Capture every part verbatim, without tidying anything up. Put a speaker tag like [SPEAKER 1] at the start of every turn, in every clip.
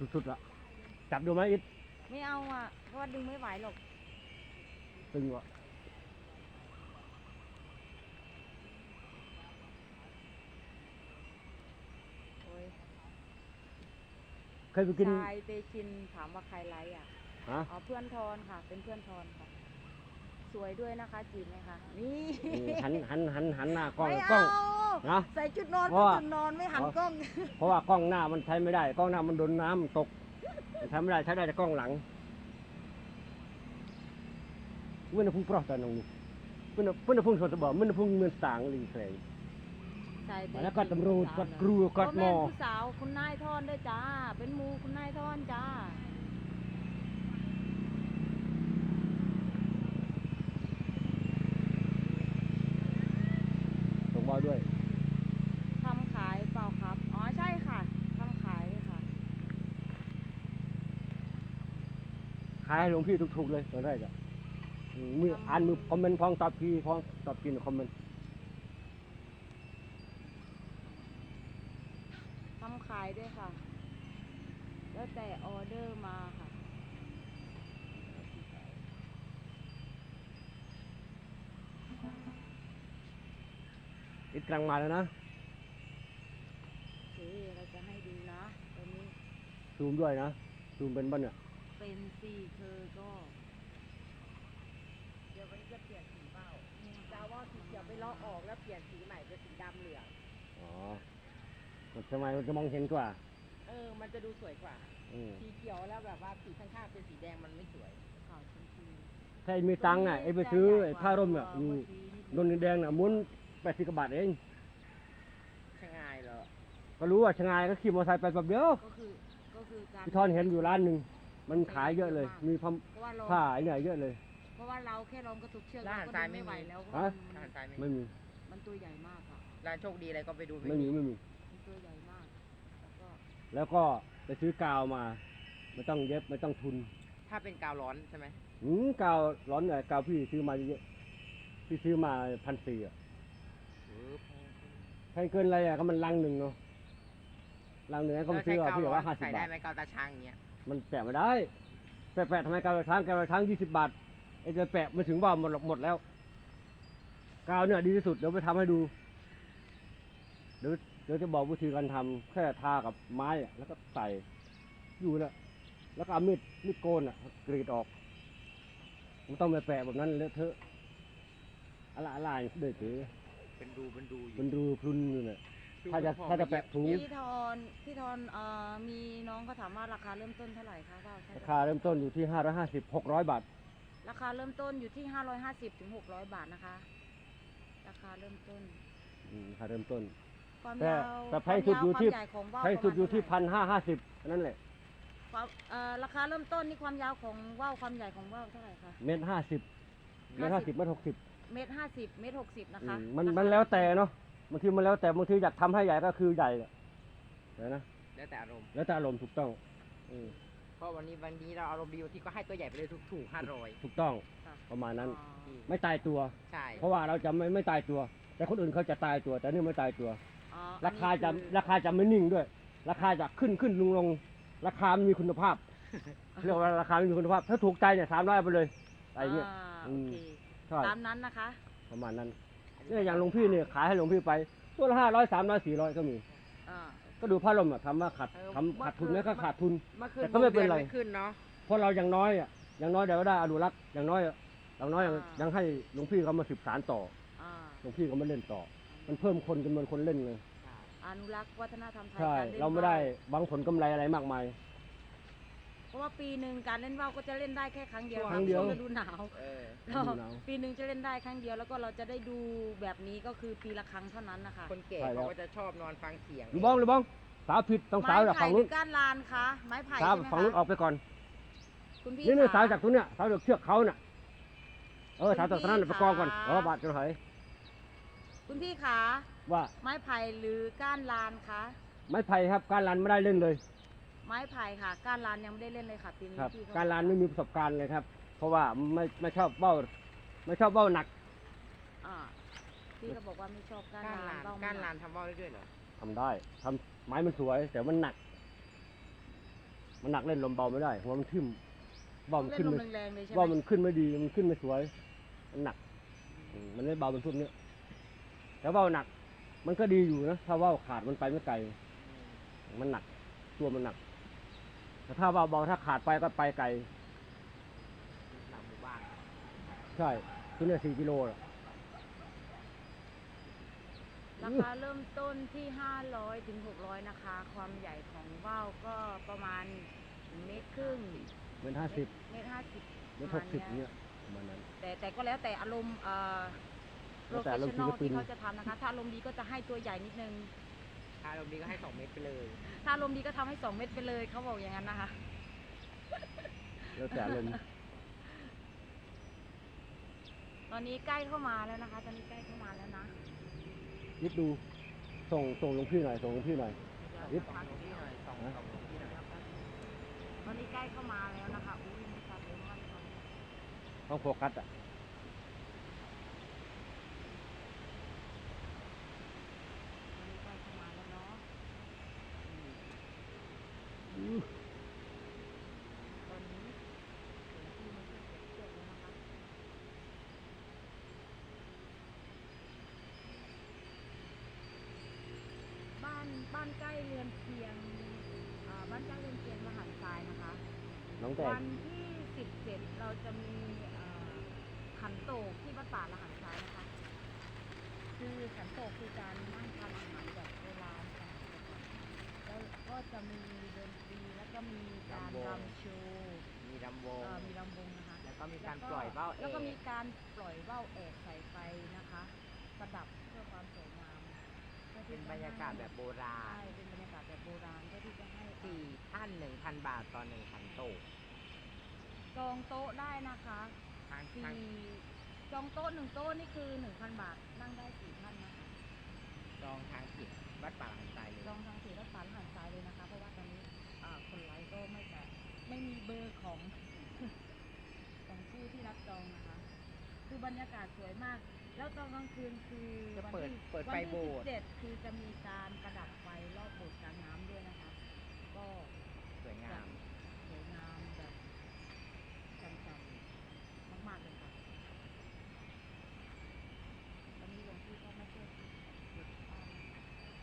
[SPEAKER 1] สุดๆละจับดูไหมอิด
[SPEAKER 2] ไม่เอาอ่ะเพราะว่าดึงไม่ไหวหรอก
[SPEAKER 1] ตึงวะเคยไปกิน
[SPEAKER 2] ชายเตชินถามว่าใครไลค์อ่ะ
[SPEAKER 1] ฮะ
[SPEAKER 2] อ๋อเพื่อนทอนค่ะเป็นเพื่อนทอนค่ะสวยด้วยนะคะจีบไหมคะนี่
[SPEAKER 1] หันหันหันหันหน้ากล้อง
[SPEAKER 2] ไม่
[SPEAKER 1] กล้อง
[SPEAKER 2] นะใส่ชุดนอนเป็นชุดนอนไม่หันกล้อง
[SPEAKER 1] เพราะว่ากล้องหน้ามันใช้ไม่ได้กล้องหน้ามันโดนน้ำตกใช้ไม่ได้ใช้ได้แต่กล้องหลังเมื่อพุ่งปลอกตอนน้องนี่เมื่อเมื่อพุ่งสดบ่เมื่อพุ่งเมืองต่างลิงแคลงแล้วก็ตำรวจก็ครูก็หมอ
[SPEAKER 2] ผู้สาวคุณนายทอนด้วยจ้าเป็นมูคุณนายทอนจ้า
[SPEAKER 1] ส่งบอลด้วย
[SPEAKER 2] ทำขายเปล่าครับอ๋อใช่ค่ะทำขายค่ะ
[SPEAKER 1] ขายให้หลวงพี่ถูกๆเลยตอนแรกอะมืออ่านมือคอมเมนต์พองตอบพี่พองตอบกินคอมเมนต์
[SPEAKER 2] ทำขายด้วยค่ะแล้วแต่ออเดอร์มาค่ะ
[SPEAKER 1] อิดกลางมาแล้วนะ
[SPEAKER 2] โอเคเราจะให้ดูนะตอนนี้
[SPEAKER 1] ซูมด้วยนะซูมเป็นบ้านเนี่ย
[SPEAKER 2] เป็นสี่เธอก็เดี๋ยววันนี้จะเปลี่ยนสีเปล่าจะว่าสีเขียวไปเลาะออกแล้วเปลี่ยนสีใหม่เป็นสีดำเหลือง
[SPEAKER 1] อ๋อมันทำไมมันจะมองเห็นกว่า
[SPEAKER 2] เออมันจะดูสวยกว่าสีเขียวแล้วแบบว่าสีข้างๆเป็นสีแดงมันไม่สวยขาวชมพู
[SPEAKER 1] ถ้ามีตังค์อ่ะไอ้ไปซื้อไอ้ผ้าร่มเนี่ยอยู่นนแดงน่ะม้วนแปดสิบบาทเอง
[SPEAKER 2] ชะงายเหรอ
[SPEAKER 1] ก็รู้ว่าชะงายก็ขี่มอเตอร์ไซค์ไปแบบเดียว
[SPEAKER 2] ก็คือก็คือการ
[SPEAKER 1] พี่ทอนเห็นอยู่ร้านหนึ่งมันขายเยอะเลยมีผ้าผ้าเนี่ยเยอะเลย
[SPEAKER 2] เพราะว่าเราแค่ลองกระตุกเชือกเราก็ดึงไม่ไหวแล้ว
[SPEAKER 1] ฮะไม่มี
[SPEAKER 2] มันตัวใหญ่มากอ่ะ
[SPEAKER 3] ร้านโชคดีอะไรก็ไปดู
[SPEAKER 1] ไม่มีไม่มี
[SPEAKER 2] มันตัวใหญ่มากแล้วก็
[SPEAKER 1] แล้วก็ไปซื้อกาวมาไม่ต้องเย็บไม่ต้องทุน
[SPEAKER 3] ถ้าเป็นกาวร้อนใช่ไหม
[SPEAKER 1] หืมกาวร้อนเนี่ยกาวพี่ซื้อมาเยอะพี่ซื้อมาพันสี่อ่ะแพงเกินอะไรอ่ะก็มันลังหนึ่งเนาะลังหนึ่งก็ไปซื้อเอาพี่ว่าห้าสิบบาทใส่
[SPEAKER 3] ได้ไหมกาวตาช้างอย่างเงี้ย
[SPEAKER 1] มันแปะไม่ได้แปะแปะทำไมกาวตาช้างกาวตาช้างยี่สิบบาทไอ้จะแปะไม่ถึงว่าหมดหมดแล้วกาวเนี่ยดีที่สุดเดี๋ยวไปทำให้ดูเดี๋ยวเดี๋ยวจะบอกวิธีการทำแค่ทากับไม้อะแล้วก็ใส่อยู่นะแล้วก็เอามีดมีดโกนอ่ะกรีดออกมันต้องไปแปะแบบนั้นเลอะเทอะอะไรอะไรเด็ดเลย
[SPEAKER 3] เป็นรูเป็นรู
[SPEAKER 1] เป็นรูพรุนอยู่เนี่ยถ้าจะถ้าจะแปะถุง
[SPEAKER 2] พี่ทอนพี่ทอนเอ่อมีน้องเขาถามว่าราคาเริ่มต้นเท่าไหร่คะว่า
[SPEAKER 1] ราคาเริ่มต้นอยู่ที่ห้าร้อยห้าสิบหกร้อยบาท
[SPEAKER 2] ราคาเริ่มต้นอยู่ที่ห้าร้อยห้าสิบถึงหกร้อยบาทนะคะราคาเริ่มต้น
[SPEAKER 1] อืมราคาเริ่มต้น
[SPEAKER 2] ความ
[SPEAKER 1] แต่
[SPEAKER 2] ยาว
[SPEAKER 1] แต่แพงสุดอยู่ที่แพงสุดอยู่ที่พันห้าห้าสิบนั่นแหละ
[SPEAKER 2] ราคาเริ่มต้นนี่ความยาวของว่าวความใหญ่ของว่าวเท่าไหร่คะ
[SPEAKER 1] เมตรห้าสิบเมตรห้าสิบเมตรหกสิบ
[SPEAKER 2] เมตรห้าสิบเมตรหกสิบนะคะ
[SPEAKER 1] มันมันแล้วแต่เนาะบางทีมันแล้วแต่บางทีอยากทำให้ใหญ่ก็คือใหญ่เลยนะ
[SPEAKER 3] แล้วแต่อารมณ์
[SPEAKER 1] แล้วแต่อารมณ์ถูกต้อง
[SPEAKER 3] เพราะวันนี้วันนี้เราอารมณ์ดีที่ก็ให้ตัวใหญ่ไปเลยถูกๆห้าร้อย
[SPEAKER 1] ถูกต้องประมาณนั้นไม่ตายตัว
[SPEAKER 3] ใช่
[SPEAKER 1] เพราะว่าเราจะไม่ไม่ตายตัวแต่คนอื่นเขาจะตายตัวแต่นี่ไม่ตายตัวราคาจะราคาจะไม่นิ่งด้วยราคาจะขึ้นขึ้นลงลงราคามีคุณภาพเรียกว่าราคามีคุณภาพถ้าถูกใจเนี่ยสามร้อยไปเลยอะไรเงี้ย
[SPEAKER 2] ตามนั้นนะคะ
[SPEAKER 1] ประมาณนั้นเนี่ยอย่างหลวงพี่เนี่ยขายให้หลวงพี่ไปตัวละห้าร้อยสามร้อยสี่ร้อยก็มีก็ดูผ้าลมอ่ะทำว่าขาดทำขาดทุนไหมก็ขาดทุนแต่ก็ไม่เป็นไรเพราะเราอย่างน้อยอ่ะอย่างน้อยเดี๋ยวได้อนุรักษ์อย่างน้อยอย่างน้อยยังให้หลวงพี่เขามาสืบสานต่อหลวงพี่เขามาเล่นต่อมันเพิ่มคนจำนวนคนเล่นเลย
[SPEAKER 2] อนุรักษ์วัฒนธรรมไทย
[SPEAKER 1] ใช่เราไม่ได้หวังผลกำไรอะไรมากมาย
[SPEAKER 2] เพราะว่าปีหนึ่งการเล่นว่าวก็จะเล่นได้แค่ครั้งเดียว
[SPEAKER 1] ครั้งเดียว
[SPEAKER 2] ฤดูหนาวปีหนึ่งจะเล่นได้ครั้งเดียวแล้วก็เราจะได้ดูแบบนี้ก็คือปีละครั้งเท่านั้นนะคะ
[SPEAKER 3] คนแก่เขาก็จะชอบนอนฟังเสียง
[SPEAKER 1] หรือบ้องหรือบ้องสาวผิดต้องสาวจากฝั่งนู้น
[SPEAKER 2] ก้านลานคะไม้ไผ่
[SPEAKER 1] สาวฝั่งนู้นออกไปก่อน
[SPEAKER 2] คุณพี่
[SPEAKER 1] นี่นี่สาวจากตรงเนี้ยสาวจากเชือกเขาน่ะเออสาวจากตรงนั้นไปกองก่อนเออบาดจะหาย
[SPEAKER 2] คุณพี่ขา
[SPEAKER 1] ว่า
[SPEAKER 2] ไม้ไผ่หรือก้านลานคะ
[SPEAKER 1] ไม้ไผ่ครับก้านลานไม่ได้เล่นเลย
[SPEAKER 2] ไม้ไผ่ค่ะก้านลานยังไม่ได้เล่นเลยค่ะปีนี้
[SPEAKER 1] พี่ก้านลานไม่มีประสบการณ์เลยครับเพราะว่าไม่ไม่ชอบเบ้าไม่ชอบเบ้าหนัก
[SPEAKER 2] อ่าพี่ก็บอกว่าไม่ชอบก้านลาน
[SPEAKER 3] ก้านลานทำเบ้าได้ด้วยเหรอ
[SPEAKER 1] ทำได้ทำไม้มันสวยแต่มันหนักมันหนักเล่นลมเบาไม่ได้หัวมันทิ่มว่าวมัน
[SPEAKER 2] เล่
[SPEAKER 1] ขึ้
[SPEAKER 2] น
[SPEAKER 1] น
[SPEAKER 2] ลม
[SPEAKER 1] ไม่
[SPEAKER 2] แรงๆเลยใช่ไหม
[SPEAKER 1] ว่าวมันขึ้นไม่ดีมันขึ้นไม่สวยมันหนักอืมมันไม่เบาเป็นพวกเนี้ยแต่ว่าวหนัก มันก็ดีอยู่นะถ้าว่าวขาดมันไปไม่ไกลมันหนักตัวมันหนักแต่ถ้าว่าวเบาถ้าขาดไปก็ไปไกล
[SPEAKER 3] หลังหมู่บ้าน
[SPEAKER 1] ใช่ตัวเนี้ยสี่กิโลน่ะ
[SPEAKER 2] ราคาเริ่มต้นที่ห้าร้อยถึงหกร้อยนะคะ ความใหญ่ของว่าวก็ประมาณเมตรครึ่ง
[SPEAKER 1] เมตรห้าสิบ
[SPEAKER 2] เมตรห้าสิบ
[SPEAKER 1] เมตรหกสิบเนี่ยประมาณนั้น
[SPEAKER 2] แต่แต่ก็แล้วแต่อารมณ์เอ่อ
[SPEAKER 1] แล้
[SPEAKER 2] โปร
[SPEAKER 1] วแต่
[SPEAKER 2] เฟช
[SPEAKER 1] อารมณ์
[SPEAKER 2] ชั่นอล
[SPEAKER 1] ศิลปิน
[SPEAKER 2] ที่เขาจะทำนะคะ ถ้าอารมณ์ดีก็จะให้ตัวใหญ่นิดนึง
[SPEAKER 3] ถ้าเราดีก็ให้สองเม็ดไปเลย
[SPEAKER 2] ถ้าอารมณ์ดีก็ทำให้สองเม็ดไปเลยเขาบอกอย่างนั้นนะคะ
[SPEAKER 1] แล้วแต่อารมณ์
[SPEAKER 2] ตอนนี้ใกล้เข้ามาแล้วนะคะ ตอนนี้ใกล้เข้ามาแล้วนะ
[SPEAKER 1] ยิบดูส่งส่งลงพี่หน่อยส่งลงพี่หน่อย
[SPEAKER 3] นิดพันที่หน่อยสองสองที่หน่อย
[SPEAKER 2] ตอนนี้ใกล้เข้ามาแล้วนะคะอุ้ยมีการเลี้ยงมันก่อน
[SPEAKER 1] ต้องโฟกัสอ่ะ
[SPEAKER 2] ตอนนี้ใกล้เข้ามาแล้วเนาะ
[SPEAKER 1] อือ
[SPEAKER 2] ตอนนี้ถึงที่มันจะเก็บเชือกแล้วนะคะ บ้านบ้านใกล้เรือนเคียงอ่าบ้านใกล้เรือนเคียงมหันทรายนะคะ
[SPEAKER 1] น้องแต่
[SPEAKER 2] วันที่สิบเจ็ดเราจะมีเอ่อขันโตกที่วัดป่าละหันทรายนะคะ คือขันโตกคือการนั่งทานอาหารแบบโบราณสมัยก่อนแล้วก็จะมีดนตรีแล้วก็มีการรำโชว์
[SPEAKER 3] มีลำวง
[SPEAKER 2] เอ่อมีลำวงนะคะ
[SPEAKER 3] แล้วก็มีการปล่อยเบ้าเอ
[SPEAKER 2] แล้วก็
[SPEAKER 3] ก
[SPEAKER 2] มีการปล่อยว่าวแอกใส่ไฟนะคะ ประดับเพื่อความสวยงามพื่อ
[SPEAKER 3] เป็
[SPEAKER 2] ที่
[SPEAKER 3] น
[SPEAKER 2] จะ
[SPEAKER 3] บรรยากาศแบบโบรา
[SPEAKER 2] ใช่
[SPEAKER 3] ณ
[SPEAKER 2] เป็นบรรยากาศแบบโบราณเพื่อที่จะให้
[SPEAKER 3] สี่ท่านหนึ่งพันบาทต่อหนึ่งขันโตก
[SPEAKER 2] จองโต๊ะได้นะคะ
[SPEAKER 3] ทาง
[SPEAKER 2] สี่
[SPEAKER 3] ทาง
[SPEAKER 2] จองโต๊ะหนึ่งโต๊ะนี่คือหนึ่งพันบาทนั่งได้สี่ท่านนะคะ
[SPEAKER 3] จองทางผิดวัดป่าหลังทรายเลย
[SPEAKER 2] จองทางสีรัฐสารหันซ้ายเลยนะคะ เพราะว่าตอนนี้อ่าคนไลฟ์ก็ไม่แต่ไม่มีเบอร์ของ ของผู้ที่รับจองนะคะ คือบรรยากาศสวยมาก แล้วตอนกลางคืนคือ
[SPEAKER 3] จะ
[SPEAKER 2] วัน
[SPEAKER 3] เปิด
[SPEAKER 2] ที่
[SPEAKER 3] เปิด
[SPEAKER 2] วัน
[SPEAKER 3] ไฟ
[SPEAKER 2] ที่
[SPEAKER 3] โบ
[SPEAKER 2] สิ
[SPEAKER 3] ส
[SPEAKER 2] บ
[SPEAKER 3] ถ์
[SPEAKER 2] เจ็ดคือจะมีการประดับไฟรอบโบสถ์กลางน้ำด้วยนะคะ ก็
[SPEAKER 3] สวยงาม
[SPEAKER 2] สวยงามแบบจังๆมากๆเลยค่ะ ตอนนี้หลวงพี่ก็มาช่วยหยุดบ้านนะคะ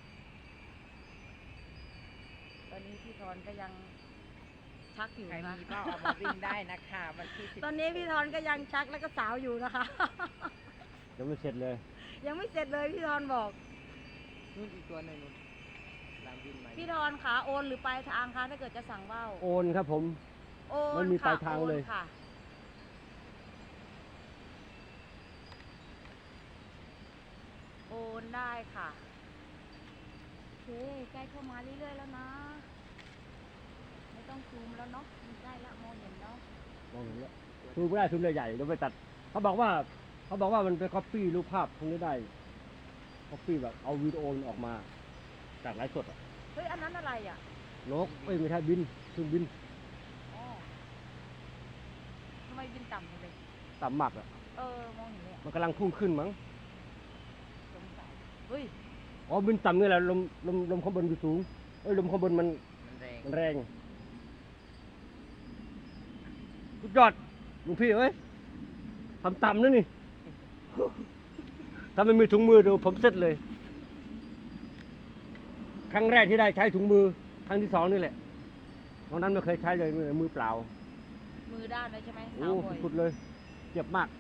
[SPEAKER 2] ตอนนี้พี่ธรก็ยังชักอยู่
[SPEAKER 3] ใคร
[SPEAKER 2] นะ
[SPEAKER 3] มีก็เอามาวิ่งได้นะคะวันที่สิบ
[SPEAKER 2] ตอนนี้พี่ธรก็ยังชักแล้วก็สาวอยู่นะคะ
[SPEAKER 1] ยังไม่เสร็จเลย
[SPEAKER 2] ยังไม่เสร็จเลยพี่ธรบอก
[SPEAKER 3] นู่นอีกตัวหนึ่งนู่นตามวินมา
[SPEAKER 2] พี่ธรขาโอนหรือปลายทางคะถ้าเกิดจะสั่งว่าว
[SPEAKER 1] โอนครับผม
[SPEAKER 2] โอน
[SPEAKER 1] ไม่มี
[SPEAKER 2] ค่ะ
[SPEAKER 1] ปลายทางเลย
[SPEAKER 2] โอนค่ะ โอนได้ค่ะโอเคใกล้เข้ามาเรื่อยๆแล้วนะ ไม่ต้องซูมแล้วเนาะมันใกล้แล้วมองเห็นแล้ว
[SPEAKER 1] มองเห็นแล้วซูมไม่ได้ซูมใหญ่ๆเดี๋ยวไปตัดเขาบอกว่าเขาบอกว่ามันไป copy รูปภาพพวกนี้ได้ copy แบบเอาวิดีโอมันออกมา จากไลฟ์สดอะ
[SPEAKER 2] เฮ้ย อันนั้นอะไรอ่ะ
[SPEAKER 1] นกเอ้ยไม่ใช่บินเครื่องบิน
[SPEAKER 2] อ๋อทำไมบินต่ำจังเลย
[SPEAKER 1] ต่ำมากอ่ะ
[SPEAKER 2] เออ มองเห็นเลยอะ
[SPEAKER 1] มันกำลังพุ่งขึ้นมั้ง
[SPEAKER 2] สงสัยเฮ้ย
[SPEAKER 1] อ๋อบินต่ำนี่แหละลมลมลมข้างบนอยู่สูงเอ้ยลมข้างบนมัน
[SPEAKER 3] มันแรง
[SPEAKER 1] มันแรงสุดยอดหลวงพี่เอ้ยทำต่ำนะนี่ ถ้าไม่มีถุงมือดูผมเสร็จเลย ครั้งแรกที่ได้ใช้ถุงมือ ครั้งที่สองนี่แหละตอนนั้นไม่เคยใช้เลยมือมือเปล่า
[SPEAKER 2] มือด้านเลยใช่ไหม
[SPEAKER 1] โอ้
[SPEAKER 2] สาวบ่อย
[SPEAKER 1] สุดๆเลย เจ็บมาก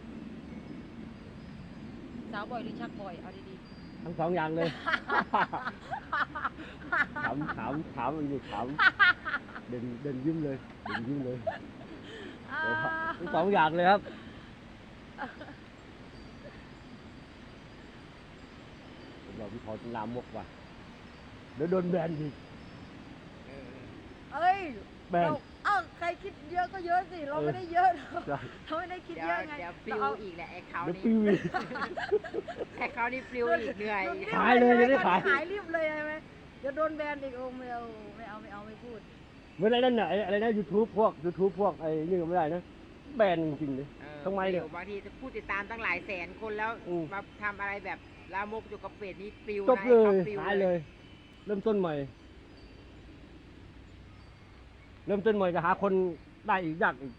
[SPEAKER 2] สาวบ่อยหรือชักบ่อย เอาดี
[SPEAKER 1] ทั้งสองอย่างเลย
[SPEAKER 2] ๆ
[SPEAKER 1] ถามถามถามมันอยู่ถามเดินเดินยิ้มเลยเดินยิ้มเลย
[SPEAKER 2] อ่า
[SPEAKER 1] เดี๋ยวทั้งสองอย่างเลยครับผมบอกพี่พอจะลามกว่ะเดี๋ยวโดนแบนอีก
[SPEAKER 3] เออ
[SPEAKER 2] เอ้ย
[SPEAKER 1] แบน
[SPEAKER 2] เราเอ้าใครคิดเยอะก็เยอะสิ เรา
[SPEAKER 1] เออ
[SPEAKER 2] ไม่ได้เยอะหรอก
[SPEAKER 1] ใช่
[SPEAKER 2] เราไม่ได้คิด
[SPEAKER 3] เดี๋ย
[SPEAKER 2] เยว อะไง
[SPEAKER 3] เดี๋ยวปลิ
[SPEAKER 2] เรา
[SPEAKER 3] ว
[SPEAKER 2] เอา
[SPEAKER 3] อีกแหละไอ้เขา
[SPEAKER 1] เดี๋ยว
[SPEAKER 3] นี่
[SPEAKER 1] ปิวอีก
[SPEAKER 3] ไอ้เขานี่ปลิวอีกเหนื่อย
[SPEAKER 2] โดนรีบ
[SPEAKER 1] ขายเลยจะได้ขาย
[SPEAKER 2] ขายรีบเลยใช่ไหมเดี๋ยวโดนแบนอีกโอ้ไม่เอาไม่เอาไม่เอาไม่พูด
[SPEAKER 1] เมื่อไรนั่นน่ะไอ้อะไรนะยูทูบพวกยูทูบพวกไอ้นี่ก็ไม่ได้นะแบนจริงๆเลย
[SPEAKER 3] เออ
[SPEAKER 1] ทำไมเนี่ย
[SPEAKER 3] ปลิวบางทีผู้ติดตามตั้งหลายแสนคนแล้ว
[SPEAKER 1] อืม
[SPEAKER 3] มาทำอะไรแบบลามกอยู่กับเป็ดนี่ปลิว
[SPEAKER 1] จบ
[SPEAKER 3] นะ
[SPEAKER 1] เล
[SPEAKER 3] ไอ้
[SPEAKER 1] ย
[SPEAKER 3] เขาปลิว
[SPEAKER 1] หายเลย เริ่มต้นใหม่เริ่มต้นใหม่จะหาคนได้อีกยากอีก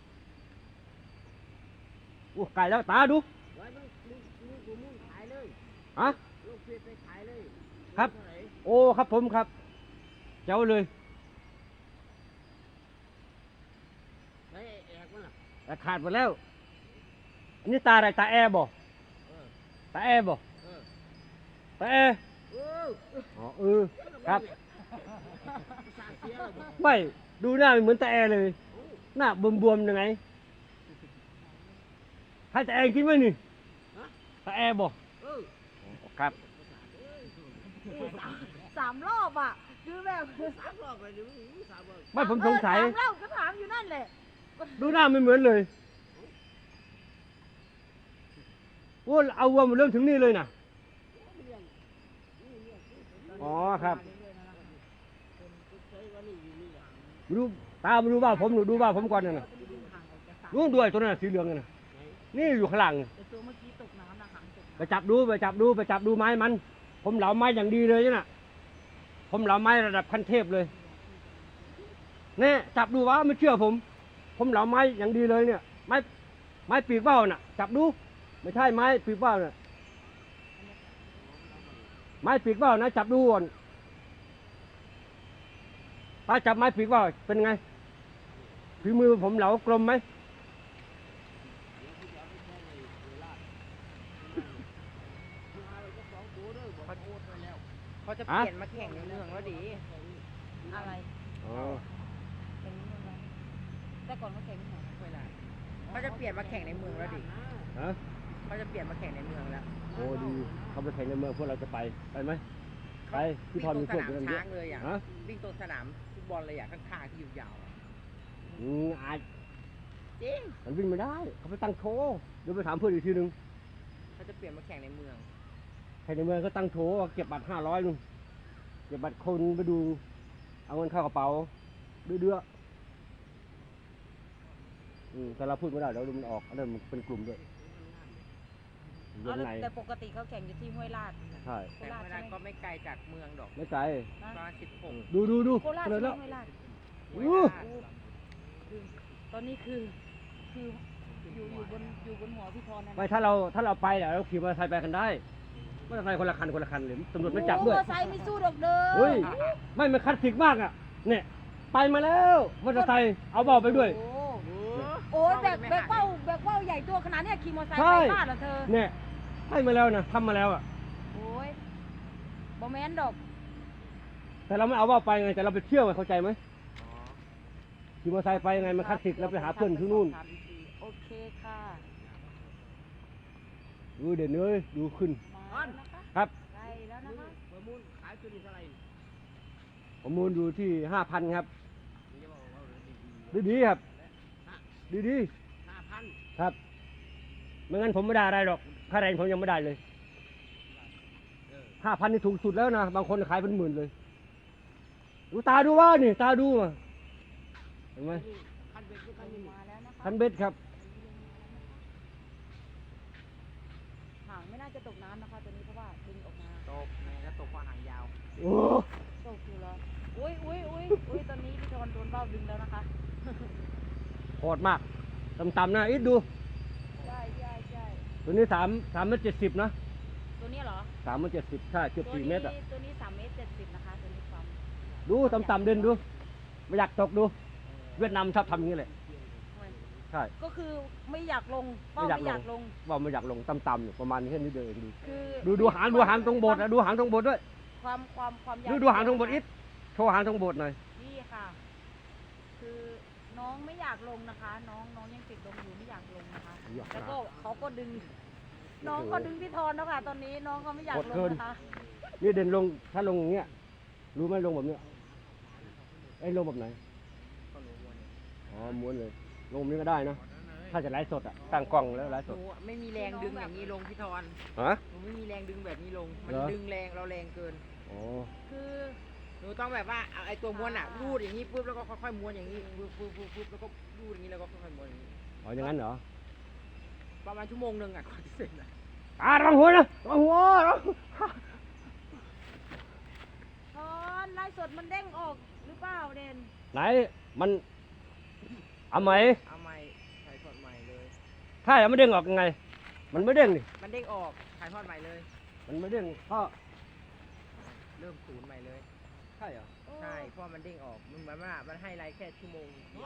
[SPEAKER 1] โอ้ไก่แล้วตาดู
[SPEAKER 3] ไว้มึงมึงมึงกูมุ่งขายเลย
[SPEAKER 1] ฮะ
[SPEAKER 3] ลูกเพชรไปขายเลย
[SPEAKER 1] ครับ
[SPEAKER 3] เท่าไห
[SPEAKER 1] โอ้ครับผมครับเจ้าเลย
[SPEAKER 3] แล้วไอ้แอกมันล่ะ
[SPEAKER 1] แต่ขาดหมดแล้วอันนี้ตาอะไรตาแอร์บ่
[SPEAKER 3] เออ
[SPEAKER 1] ตาแอร์บ่
[SPEAKER 3] เออ
[SPEAKER 1] ตาแอร์
[SPEAKER 3] เออ
[SPEAKER 1] อ๋อเออครับ
[SPEAKER 3] สร้างเสียแล้วบ่
[SPEAKER 1] ไม่ดูหน้าไม่เหมือนตาแอร์เลย หน้าบวมๆยังไงให้ตาแอร์กินไหมนี่
[SPEAKER 3] ฮะ
[SPEAKER 1] ตาแอร์บ่
[SPEAKER 3] เออ
[SPEAKER 1] ครับ
[SPEAKER 2] สามสามรอบอ่ะคือแบบ
[SPEAKER 3] สามรอบไปเดี๋ยวมึงสามรอบ
[SPEAKER 1] ไม่ผมสงสัย
[SPEAKER 2] เออสามรอบก็ถามอยู่นั่นแหละ
[SPEAKER 1] ดูหน้าไม่เหมือนเลยโอ้เอาวัวมาเริ่มถึงนี่เลยนะอ๋อครับมาดูตามาดูบ้านผมหนูดูบ้านผมก่อนนะนะดูด้วยตัวนั้นนะสีเหลืองน่ะนี่อยู่ข้างหลัง
[SPEAKER 2] แต่ตัวเมื่อกี้ตกน้ำนะหางตก
[SPEAKER 1] ไปจับดูไปจับดูไปจับดูไม้มัน ผมเหลาไม้อย่างดีเลยน่ะ ผมเหลาไม้ระดับขั้นเทพเลยเนี่ยจับดูวะไม่เชื่อผม ผมเหลาไม้อย่างดีเลยเนี่ย ไม้ไม้ปีกเบ้าน่ะ จับดู ไม่ใช่ไม้ปีกเบ้าน่ะไม้ปีกเบ้านะจับดูก่อนถ้าจับไม้ปีกเบ้าเป็นไงฝีมือผมเหลากลมไหม
[SPEAKER 3] เขาจะเปลี่ยนมาแข่งในเมืองแล้วดิ
[SPEAKER 2] อะไร
[SPEAKER 1] อ๋อ
[SPEAKER 2] แข่งนี่มันแต่ก่อนเขาแข่งที่ไหน
[SPEAKER 3] ไม่ได้เขาจะเปลี่ยนมาแข่งในเมืองแล้วดิ
[SPEAKER 1] ฮะ
[SPEAKER 3] เขาจะเปลี่ยนมาแข่งในเมืองแล้ว
[SPEAKER 1] โอ้ดีเขาไปแข่งในเมืองพวกเราจะไปไปไหมไปพี่พรมี
[SPEAKER 3] วิ่ง
[SPEAKER 1] พ
[SPEAKER 3] ต
[SPEAKER 1] ว
[SPEAKER 3] ร
[SPEAKER 1] ก
[SPEAKER 3] ง
[SPEAKER 1] อ
[SPEAKER 3] ส
[SPEAKER 1] ยู่
[SPEAKER 3] นาม
[SPEAKER 1] กันเย
[SPEAKER 3] ช้า
[SPEAKER 1] อะ
[SPEAKER 3] งเลยอ่ะ
[SPEAKER 1] ฮะ
[SPEAKER 3] วิ่งตรงสนามฟุตบอลเลยอ่ะข้างๆที่อยู่ยาวอะ
[SPEAKER 1] อืมอาย
[SPEAKER 3] จริง
[SPEAKER 1] มันวิ่งไม่ได้ เขาไปตั้งโชว์เดี๋ยวไปถามเพื่อนอีกทีนึง
[SPEAKER 3] เขาจะเปลี่ยนมาแข่งในเมือง
[SPEAKER 1] ใครในเมืองก็ตั้งโชว์เก็บบัตรห้าร้อยนึงเก็บบัตรคนไปดู เอาเงินเข้ากระเป๋าเดือๆอืมแต่เราพูดไม่ได้เดี๋ยวมันออกอันนั้นมันเป็นกลุ่มด้วยว
[SPEAKER 2] เอา
[SPEAKER 1] ง
[SPEAKER 2] แล้ว
[SPEAKER 1] ใน
[SPEAKER 2] แต่ปกติเขาแข่งอยู่ที่ห้วยลาด
[SPEAKER 1] ใช่
[SPEAKER 2] โค
[SPEAKER 3] แต่
[SPEAKER 2] ราช
[SPEAKER 3] เว
[SPEAKER 2] ใช่
[SPEAKER 3] ลา
[SPEAKER 2] ไหม
[SPEAKER 3] ก็ไม่ไกลจากเมืองดอก
[SPEAKER 1] ไม่ไกล
[SPEAKER 3] ประมาณสิบหก
[SPEAKER 1] ดูดูดู
[SPEAKER 2] โคราช
[SPEAKER 1] เล
[SPEAKER 2] ใช่
[SPEAKER 1] ย
[SPEAKER 2] ไหม
[SPEAKER 1] แล้ว
[SPEAKER 2] ห้วยลาด
[SPEAKER 1] อู้
[SPEAKER 3] ห้วยลาด
[SPEAKER 2] คือตอนนี้คือคืออยู่อยู่บนอยู่บนหัวพี่พรนะ
[SPEAKER 1] ไม่ถ้าเราถ้าเราไปเนี่ยเราขี่มอเตอร์ไซค์ไปกันได้มอเตอร์ไซค์คนละคันคนละคันเลยตำรวจไม่จับด้วย
[SPEAKER 2] โอ้มอไซค์ไม่สู้ดอกเด้อ
[SPEAKER 1] เฮ้ย ไม่มันคลาสสิกมากอ่ะ เนี่ย ไปมาแล้วมอเตอร์ไซค์เอาเบาไปด้วย
[SPEAKER 2] โอ้
[SPEAKER 3] โอ้
[SPEAKER 2] โอ้ยแบกแบกเป้าแบกเป้าใหญ่ตัวขนาดเนี้ยขี่มอไซค์
[SPEAKER 1] ใช่
[SPEAKER 2] ไปบ้านเหรอเธอ
[SPEAKER 1] เนี่ยให้มาแล้วนะทำมาแล้วอ่ะ
[SPEAKER 2] โอ้ยบอแมนดอก
[SPEAKER 1] แต่เราไม่เอาเบาไปไง แต่เราไปเที่ยวไงเข้าใจไหม
[SPEAKER 3] อ๋อ
[SPEAKER 1] ขี่มอเตอร์ไซค์ไปยังไงมันคลาสสิกเราไปหาเพื่อนที่นู่น
[SPEAKER 2] โอเคค่ะ
[SPEAKER 1] ดูเด่นเลยดูขึ้น
[SPEAKER 2] มาแล้วนะคะ
[SPEAKER 1] ครับ
[SPEAKER 2] ใกล้แล้วนะคะ
[SPEAKER 3] ประมูลขายตัวนี้เท่าไหร่
[SPEAKER 1] ผมมูลอยู่ที่ห้าพันครับ
[SPEAKER 3] นี่จะบอกว่าเรื่องดี
[SPEAKER 1] ดีดีๆครับ ดีดี
[SPEAKER 3] ห้าพัน
[SPEAKER 1] ๆครับ ไม่งั้นผมไม่ได้อะไรหรอก ค่าแรงผมยังไม่ได้เลย
[SPEAKER 3] เออ
[SPEAKER 1] ห้าพันนี่ถูกสุดแล้วนะ บางคนขายเป็นหมื่นเลย ดูตาดูว่านี่ ตาดูมาเห็นไหม
[SPEAKER 3] คันเบ็ดก็คันนี้
[SPEAKER 2] มาแล้วนะคะ
[SPEAKER 1] คันเบ็ดครับ
[SPEAKER 2] หางไม่น่าจะตกน้ำนะคะตัวนี้เพราะว่าดึงออกมา
[SPEAKER 3] ตกแม่ก็ตกเพราะหางยาว
[SPEAKER 1] โอ้
[SPEAKER 2] ตกอยู่แล้วอุ้ยอุ้ยอุ้ยอุ้ยตอนนี้พี่ทอนโดนเบ้าดึงแล้วนะคะ
[SPEAKER 1] โหดมากต่ำๆนะอิดดู
[SPEAKER 2] ใช่ใช่ใช่
[SPEAKER 1] ตัวนี้สามสามเมตรเจ็ดสิบนะ
[SPEAKER 2] ตัวนี้เหรอ
[SPEAKER 1] สามเมตรเจ็ดสิบใช่เกือบ
[SPEAKER 2] ตัว
[SPEAKER 1] สี่
[SPEAKER 2] นี้
[SPEAKER 1] เมตรอ่ะ
[SPEAKER 2] ตัวนี้สามเมตรเจ็ดสิบนะคะตัวนี้ความ
[SPEAKER 1] ดูต่ำๆเด่นดู ไม่อยากตกดู เวียดนามชอบทำอย่างนี้แหละ ใช่
[SPEAKER 2] ก็คือไม่อยากลงเป้า
[SPEAKER 1] ไม่
[SPEAKER 2] ไม่อยาก ก
[SPEAKER 1] อายล
[SPEAKER 2] ล
[SPEAKER 1] ง
[SPEAKER 2] ง
[SPEAKER 1] ว่าไม่อยากลงต่ำๆอยู่ประมาณนี้แค่นี้เดินดู
[SPEAKER 2] คือ
[SPEAKER 1] ดูดูหางดูหางตรงโบสถ์อะดูหางตรงโบสถ์ด้วย
[SPEAKER 2] ความความความยาว
[SPEAKER 1] ดูดูหางตรงโบสถ์อิดโชว์หางตรงโบสถ์หน่อย
[SPEAKER 2] นี่ค่ะ คือน้องไม่อยากลงนะคะ น้องน้องยังติดลงอยู่ไม่อยากลงนะคะ แล้วก็เขาก็ดึง น้องก็ดึงพี่ทอนแล้วค่ะ ตอนนี้น้องก็ไม่อยากลงนะคะ
[SPEAKER 1] นี่เด่นลงถ้าลงอย่างเงี้ยรู้ไหมลงแบบเนี้ยไอ้ยลงแบบไหน
[SPEAKER 3] ก็รู้ว่าเนี่ย
[SPEAKER 1] อ๋อม้วนเลย ลงแบบนี้ก็ได้นะ ถ้าจะไลฟ์สดอ่ะตั้งกล้องแล้วไลฟ์
[SPEAKER 3] ห
[SPEAKER 1] ส
[SPEAKER 3] นู
[SPEAKER 1] ด
[SPEAKER 3] ไม่มีแรงดึงอย่างนี้ลงพี่ทอน
[SPEAKER 1] ฮะ
[SPEAKER 3] หนูไม่มีแรงดึงแบบนี้ลง มัน
[SPEAKER 1] เหรอ
[SPEAKER 3] ดึงแรงเราแรงเกิน
[SPEAKER 1] อ๋อ
[SPEAKER 2] คือ
[SPEAKER 3] หนูต้องแบบว่าเอาไอ้ตัวม้วนอ่ะรูดอย่างนี้ปุ๊บแล้วก็ค่อยๆม้วนอย่างนี้ปุ๊บปุ๊บปุ๊บปุ๊บแล้วก็รูดอย่างนี้แล้วก็ค่อยๆม้วนอย่างนี้
[SPEAKER 1] อ๋ออย่างนั้นเหรอ
[SPEAKER 3] ประมาณชั่วโมงหนึ่งอ่ะก่อนจะเสร็จนะ
[SPEAKER 1] อ่าระวังหัวนะระวังหัวระวัง
[SPEAKER 2] ทอนไลฟ์สดมันเด้งออกหรือเปล่าเด่น
[SPEAKER 1] ไหนมันเอาไหม
[SPEAKER 3] เอาใหม่ถ่ายทอดใหม่เลย
[SPEAKER 1] ถ้ายังไม่เด้งออกยังไง มันไม่เด้งดิ
[SPEAKER 3] มันเด้งออกถ่ายทอดใหม่เลย
[SPEAKER 1] มันไม่เด้งก็
[SPEAKER 3] เริ่มศูนย์ใหม่เลย
[SPEAKER 1] ใช่เหรอ
[SPEAKER 3] ใช่เพราะมันเด้งออกมันเหมือนว่ามันให้ไลน์แค่ชั่วโมงเดียว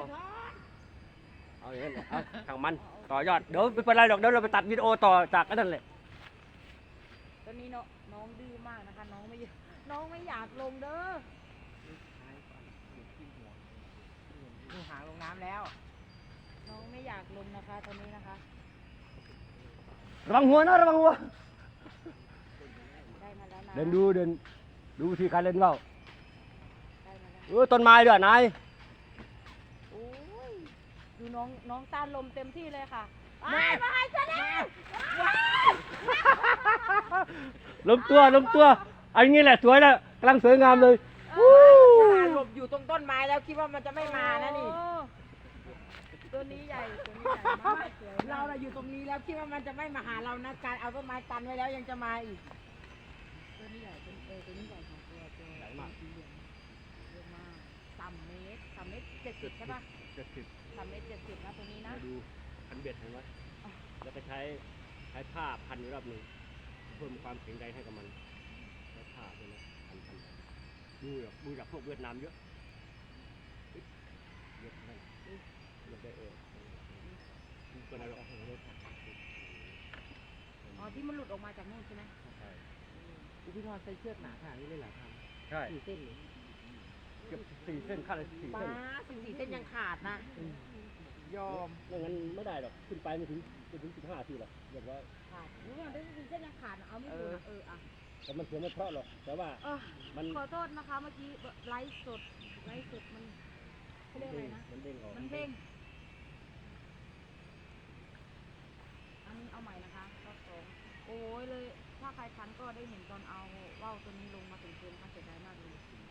[SPEAKER 1] เอาอย่างนั้นเลยเอาทางมันต่อยอดเดี๋ยวไม่เป็นไรหรอกเดี๋ยวเราไปตัดวิดีโอต่อจากอันนั้นแหละ
[SPEAKER 2] ตอนนี้น้องน้องดื้อมากนะคะ น้องไม่อยากน้องไม่อยากลงเด้อ
[SPEAKER 3] ท้ายก่อนเดี๋ยวขี้หัวดูหางลงน้ำแล้ว
[SPEAKER 2] น้องไม่อยากลงนะคะตอนนี้นะคะ
[SPEAKER 1] ระวังหัวนะระวังหัว
[SPEAKER 2] ได้มาแล้วนะ
[SPEAKER 1] เดินดูเดินดูวิธีการเล่นว่าว
[SPEAKER 2] ได้มาแล้ว
[SPEAKER 1] เออต้นไม้ด้วยนาย
[SPEAKER 2] โอ้ยดูน้องน้องต้านลมเต็มที่เลยค่ะไม่มาให้ฉันแล้ว
[SPEAKER 1] ล้มตัวล้มตัวเอันนี้แหละสวยแล้วกำลังสวยงามเลย
[SPEAKER 2] เออ
[SPEAKER 3] ขนาดหลบอยู่ตรงต้นไม้แล้วคิดว่ามันจะไม่มานะนี่
[SPEAKER 2] โอ้ตัวนี้ใหญ่ตัวนี้ใหญ่มากสวยมก
[SPEAKER 3] เราน่ะอยู่ตรงนี้แล้วคิดว่ามันจะไม่มาหาเรานะการเอาต้นไม้ตันไว้แล้วยังจะมาอีก
[SPEAKER 2] ตัวนี้ใหญ่เป็นเออตัวนี้ใหญ่ของตัวตัว
[SPEAKER 1] ใหญ่มาก
[SPEAKER 2] สีเหลืองเยอะมากสามเมตรสามเมตรเจ็ดสิบใช่ปะ
[SPEAKER 1] เจ็ดสิบ
[SPEAKER 2] สามเมตรเจ็ดสิบนะตัวนี้นะ
[SPEAKER 1] มาดูพันเบ็ดเห็นไหมแล้วก็ใช้ใช้ผ้าพันอยู่รอบหนึ่งเพิ่มความแข็งแรงให้กับมันใช้ผ้าด้วยนะพันพันดูแบบดูจากพวกเวียดนามเยอะเยอะนั่นเยอะได้เออดูตัวนั้นเราเอาไปเลย
[SPEAKER 2] อ๋อที่มันหลุดออกมาจากนู่นใช่ไหม
[SPEAKER 1] ใช่
[SPEAKER 3] พี่ทอดใส่เชือกหนาขนาดนี้เลยเหรอครับ
[SPEAKER 1] ใช่
[SPEAKER 3] สี่เส้นเลย
[SPEAKER 1] เกือบสี่เส้นขั้นละสี่
[SPEAKER 3] ป้า
[SPEAKER 1] เส้น
[SPEAKER 3] สี่เส้นยังขาดนะ ยอม
[SPEAKER 1] ไม่งั้นไม่ได้หรอกขึ้นไปไม่ถึงไม่ถึงสิบห้าทีหรอกเรียบร้อย
[SPEAKER 2] ขาดรู้ว่าได้เส้นยังขาดนะเอาไม่อยู่นะเอออ่ะ
[SPEAKER 1] แต่มันเสียไม่เพราะหรอกแต่ว่า
[SPEAKER 2] เออ
[SPEAKER 1] มัน
[SPEAKER 2] ขอโทษนะคะเมื่อกี้ไลฟ์สดไลฟ์สดมันเขาเรียกอะไรนะ
[SPEAKER 1] มันเด้งออก
[SPEAKER 2] มันเด้งอันนี้เอาใหม่นะคะรอบสองโอ้ยเลย ถ้าใครทันก็ได้เห็นตอนเอาว่าวตัวนี้ลงมาถึงเกมค่ะเสียดายมากเลย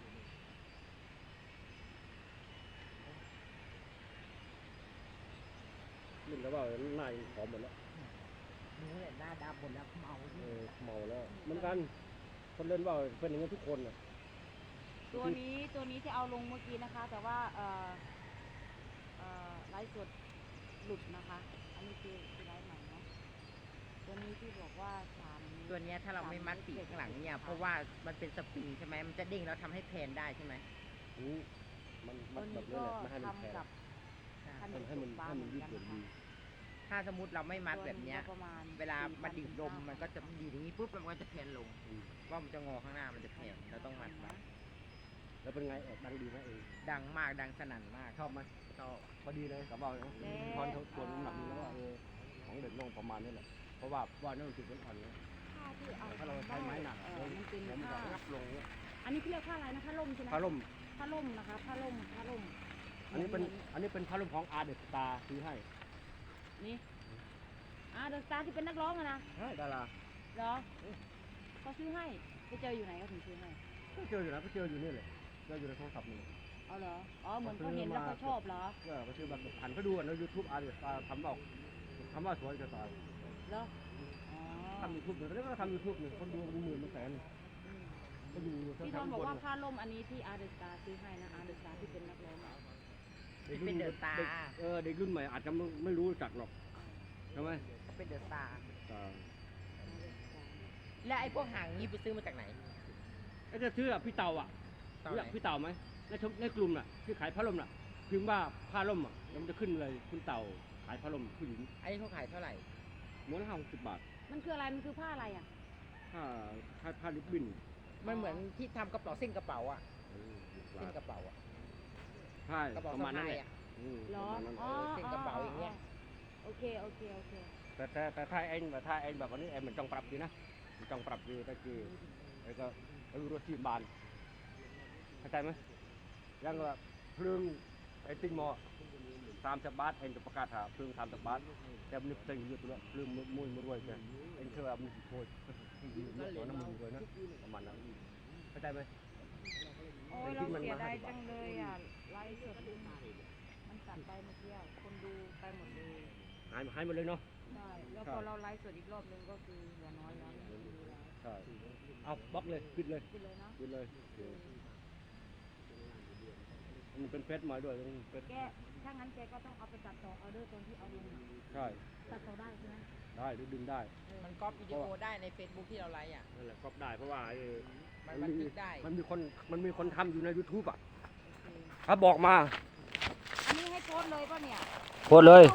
[SPEAKER 1] นี่แล้วว่าหน้ายังผอมหมดแล้ว
[SPEAKER 3] หนูเนี่ยหน้าดำหมดแล้วเมา
[SPEAKER 1] เออเมาแล้วเหมือนกันคนเล่นว่าวเป็นอย่างนี้ทุกคนน่ะ
[SPEAKER 2] ตัวนี้ตัวนี้ที่เอาลงเมื่อกี้นะคะ แต่ว่าเอ่อเอ่อไลฟ์สดหลุดนะคะ อันนี้คือคือไลฟ์ใหม่เนาะตัวนี้ที่บอกว่าสาม
[SPEAKER 3] ตัวเนี้ยถ้าเราไม่มัดปีกข้างหลังเนี่ยเพราะว่ามันเป็นสปริงใช่ไหมมันจะเด้งแล้วทำให้แพนได้ใช่ไหม
[SPEAKER 1] อืมมันมั
[SPEAKER 2] ตั
[SPEAKER 1] น
[SPEAKER 2] ว
[SPEAKER 1] แบบ
[SPEAKER 2] นี้
[SPEAKER 1] นี้
[SPEAKER 2] ก็
[SPEAKER 1] แหละไม่ให้มันแข็ง
[SPEAKER 2] ทำกับขนม
[SPEAKER 1] ให้มัน
[SPEAKER 2] ปลา
[SPEAKER 1] ให้
[SPEAKER 2] เห
[SPEAKER 1] มั
[SPEAKER 2] มื
[SPEAKER 1] น
[SPEAKER 2] อน
[SPEAKER 1] ยืด
[SPEAKER 2] กัน
[SPEAKER 1] หยุ่น
[SPEAKER 2] นะคะ
[SPEAKER 1] ดี
[SPEAKER 3] ถ้าสมมติเราไม่มัดแบบเนี้ย
[SPEAKER 2] ตัวก็ประมาณ
[SPEAKER 3] เวลามันดีดลม
[SPEAKER 2] สี่พั
[SPEAKER 3] มันก็จะดีดอย่างนี้ปุ๊บแล้วมันก็จะแพนลง
[SPEAKER 1] อืม
[SPEAKER 3] ว่ามันจะงอข้างหน้ามันจะแพนเราต้องมัดไว้
[SPEAKER 1] แล้วเป็นไงออกดังดีไหมเอง
[SPEAKER 3] ดังมากดังสนั่นมาก
[SPEAKER 1] ชอบไหม
[SPEAKER 3] ชอบ
[SPEAKER 1] พอดีเลยกับว่าวนะพอนเขาตัวน้ำหนักนี่แล้วว่าเออของเด็กลงประมาณนี้แหละเพราะว่าว่าวนี่มันถึงมันอ่อนเนี่ย
[SPEAKER 2] ผ้าที่เอา
[SPEAKER 1] ถ้าเราใช้ไม้หนัก
[SPEAKER 2] เออมันเป็น
[SPEAKER 1] แล้วมัน
[SPEAKER 2] ผ้า
[SPEAKER 1] จะงับลงเนี่ย
[SPEAKER 2] อันนี้เขาเรียกผ้าอะไรนะผ้าล่มใช่ไหม
[SPEAKER 1] ผ้าล่ม
[SPEAKER 2] ผ้าล่มนะคะผ้าล่มผ้าล่ม
[SPEAKER 1] อันนี้เป็นอันนี้เป็นผ้าล่มของอาร์เดสตาซื้อให้
[SPEAKER 2] นี่อ่าเดอะสตาร์ที่เป็นนักร้องอะนะ
[SPEAKER 1] ใช่ดารา
[SPEAKER 2] เหรอเขาซื้อให้ไปเจออยู่ไหนก็ถึงซื้อให้
[SPEAKER 1] ก็เจออยู่นะก็เจออยู่นี่เลยเจออยู่ในโทรศัพท์นี่
[SPEAKER 2] เอาเหรออ๋อเหมือนเขาเห็นแล้วเขาชอบเหรอ
[SPEAKER 1] ก็ก็ชื่อแบบหันเขาดูกันในยูทูบอาร์เดสตาทำบอกทำว่าสวยจะตาย
[SPEAKER 2] เหรออ๋อ
[SPEAKER 1] ทำยูทูบหนึ่งตอนนี้ก็ทำยูทูบหนึ่งคนดูเป็นหมื่นเป็นแสน
[SPEAKER 2] อืม
[SPEAKER 1] ก็อยู่
[SPEAKER 2] พี่ท
[SPEAKER 1] ทา
[SPEAKER 2] อง น
[SPEAKER 1] ๆ
[SPEAKER 2] บอก
[SPEAKER 1] บน
[SPEAKER 2] ว่าผ้าล่มอันนี้ที่อาร์เดอะสตาร์ซื้อให้นะอาร์เดอะสตาร์ที่เป็นนักร้องอะ
[SPEAKER 1] ด็กรุ่
[SPEAKER 3] เป็นเดอะสตาร์
[SPEAKER 1] ด็กเออเด็กรุ่นใหม่อาจจะไม่ไม่รู้จักหรอกใช่ไหม
[SPEAKER 3] เป็นเดอะสตาร์
[SPEAKER 1] อ่า
[SPEAKER 3] และไอ้พวกหางนี้ไปซื้อมาจากไหน
[SPEAKER 1] ไอ้จะซื้ออะพี่เต่าอ่ะ
[SPEAKER 3] ตอน
[SPEAKER 1] รู้
[SPEAKER 3] ไหน
[SPEAKER 1] จักพี่เต่าไหมในชมในกลุ่มน่ะที่ขายผ้าล่มน่ะพิมพ์ว่าผ้าล่มอ่ะแล้วมันจะขึ้นเลยคุณเต่าขายผ้าล่มผู้หญิง
[SPEAKER 3] ไอ้นี่เขาขายเท่าไหร่
[SPEAKER 1] ม้วนละห้าสิบบาท
[SPEAKER 2] มันคืออะไรมันคือผ้าอะไรอ่ะ
[SPEAKER 1] ผ้าผ้าผ้าลิบบิ้น
[SPEAKER 3] มันเหมือนที่ทำกระเป๋าเส้นกระเป๋าอะ
[SPEAKER 1] เออ
[SPEAKER 3] เส้นกระเป๋าอะ
[SPEAKER 1] ใช่
[SPEAKER 3] กระเป๋า
[SPEAKER 1] ประมาณนั้น
[SPEAKER 3] สะ
[SPEAKER 1] แห
[SPEAKER 3] พาย
[SPEAKER 1] ละ
[SPEAKER 3] อะ
[SPEAKER 1] อืม
[SPEAKER 2] เหรอ
[SPEAKER 1] ประมาณนั้น
[SPEAKER 2] อ๋อ
[SPEAKER 3] เส้นกระเป๋าอย่างเงี้ย
[SPEAKER 2] โอเคโอเคโอเค
[SPEAKER 1] แต่แต่แต่ถ้าเองแต่ถ้าเองแบบวันนี้เองมันต้องปรับดีนะมันต้องปรับดีก็คือไอ้ก็ไอ้รถที่บานเข้าใจไหมยังว่าเพลิงไอ้ติ้งหมอสามสิบบาทเองจะประกาศหาเพลิงสามสิบบาทแต่มันเป็นอยู่ตัวเพลิงมวยมรวยแกเองเชื่อว่ามันโคตรตัวน้ำมันรวยนะประมาณนั้นเข้าใจไหม
[SPEAKER 2] โอ้ยเราเสียดายจังเลยอ่ะไลฟ์สดมันตัดไปเมื่อกี้อะคนดูไปหมดเลย
[SPEAKER 1] หายหายหมดเลยเนาะ
[SPEAKER 2] ใช่แล้วพอเราไลฟ์สดอีกรอบนึงก็คือเหลือน้อยแล้วไม่มีแล้ว
[SPEAKER 1] ใช่เอาบล็อกเลยปิดเลย
[SPEAKER 2] ไปเลยเนาะ
[SPEAKER 1] ปิดเลยมันเป็นเฟซมาด้วยมันเป็น
[SPEAKER 2] แกถ้างั้นแกก็ต้องเอาไปตัดต่อออเดอร์ตรงที่เอาลงอะ
[SPEAKER 1] ใช่
[SPEAKER 2] ตัดต่อได้ใช่ไหม
[SPEAKER 1] ได้หรือดึงได้
[SPEAKER 2] เออ
[SPEAKER 3] มันก๊อปวิดีโอได้ใน Facebook ที่เราไลฟ์อ่ะ
[SPEAKER 1] นั่นแหละก็ได้เพราะว่าไอ้
[SPEAKER 3] มันบันทึกได้
[SPEAKER 1] มันมีคนมันมีคนทำอยู่ใน YouTube อ่ะ
[SPEAKER 2] โอเค
[SPEAKER 1] เขาบอกมา
[SPEAKER 2] อันนี้ให้โพสต์เลยป่ะเนี่ย
[SPEAKER 1] โพสเลย